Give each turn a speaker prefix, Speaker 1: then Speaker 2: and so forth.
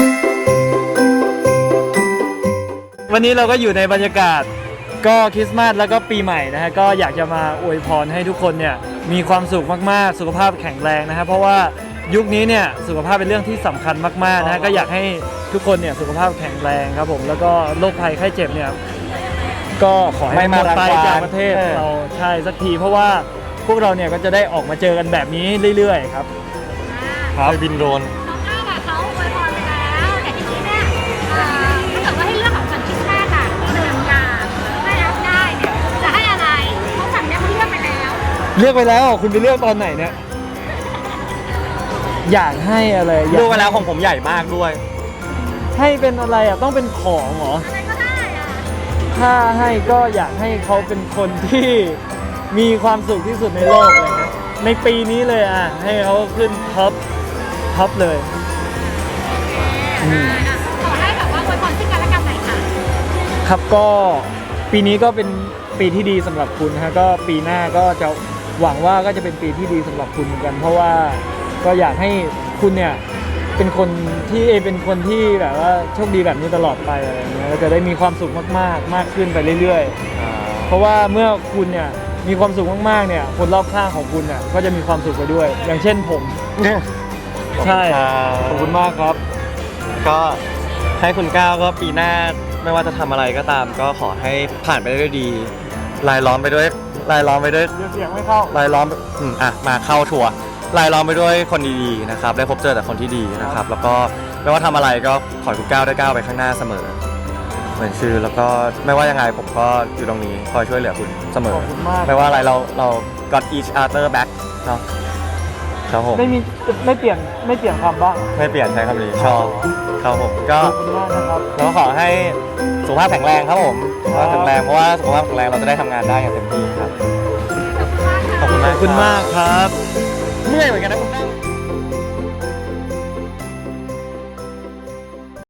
Speaker 1: วันนี้เราก็อยู่ในบรรยากาศก็คริสต์มาสแล้วก็ปีใหม่นะฮะก็อยากจะมาอวยพรให้ทุกคนเนี่ยมีความสุขมากๆสุขภาพแข็งแรงนะฮะเพราะว่ายุคนี้เนี่ยสุขภาพเป็นเรื่องที่สำคัญมากๆนะฮะก็อยากให้ทุกคนเนี่ยสุขภาพแข็งแรงครับผมแล้วก็โรคภัยไข้เจ็บเนี่ยก็ขอให้หมดไปจากประเทศเราใช่สักทีเพราะว่าพวกเราเนี่ยก็จะได้ออกมาเจอกันแบบนี้เรื่อยๆครับ
Speaker 2: ครับบินโดรน
Speaker 3: เขาอวยพรไปแล้วแต่ทีนี้เนี่ยถ้าเกิดว่าให้เลือกของขวัญคริสต์มาสอะ1 อย่างได้รับได้เนี่ยจะให้อะไรเขาสั่งเนี่ยเขาเลือกไปแล้ว
Speaker 1: เลือกไปแล้วคุณไปเลือกตอนไหนเนี่ยอยากให้อะไร
Speaker 2: ดูไปแล้วของผมใหญ่มากด้วย
Speaker 1: ให้เป็นอะไรอ่ะต้องเป็นของเหรอ
Speaker 3: อะไรก็ได้อะ
Speaker 1: ถ้าให้ก็อยากให้เขาเป็นคนที่มีความสุขที่สุดในโลกเลยนะในปีนี้เลยอ่ะให้เขาขึ้นท็อปเลย
Speaker 3: ขอให้แบบว่าอวยพรซึ่งกันและกันหน่อยค่ะ
Speaker 1: ครับก็ปีนี้ก็เป็นปีที่ดีสำหรับคุณนะฮะก็ปีหน้าก็จะหวังว่าก็จะเป็นปีที่ดีสำหรับคุณเหมือนกันเพราะว่าก็อยากให้คุณเนี่ยเป็นคนที่แบบว่าโชคดีแบบนี้ตลอดไปอะไรเงี้ยแล้วจะได้มีความสุขมากขึ้นไปเรื่อยๆเพราะว่าเมื่อคุณเนี่ยมีความสุขมากๆเนี่ยคนรอบข้างของคุณเนี่ยก็จะมีความสุขไปด้วยอย่างเช่นผมใช่ขอบคุณมากครับ
Speaker 2: ก็ให้คุณก้าวก็ปีหน้าไม่ว่าจะทำอะไรก็ตามก็ขอให้ผ่านไปได้ด้วยดีรายล้อมไปด้วย
Speaker 1: เสียงไม่เข้าร
Speaker 2: ายล้อมมาเข้าทัวร์รายล้อมไปด้วยคนดีๆนะครับได้พบเจอแต่คนที่ดีนะครับแล้วก็ไม่ว่าทำอะไรก็ขอให้คุณก้าวได้ก้าวไปข้างหน้าเสมอเหมือนชื่อแล้วก็ไม่ว่ายังไงผมก็อยู่ตรงนี้คอยช่วยเหลือคุณเสมอไม่ว่าอะไรเรา got each other back เนาะครับผม
Speaker 1: ไม่เปลี่ยนคำบ้าง
Speaker 2: ไม่เปลี่ยนใช้คำนี้ชอบครับผมก็
Speaker 1: ขอบคุณมากนะครับ
Speaker 2: เราขอให้สุขภาพแข็งแรงครับผมสุขภาพแข็งแรงเพราะว่าสุขภาพแข็งแรงเราจะได้ทำงานได้อย่างเต็มที่ครับ
Speaker 1: ขอบคุณมากครับ
Speaker 2: เหนื่อยเหมือนกันนะคุณแม่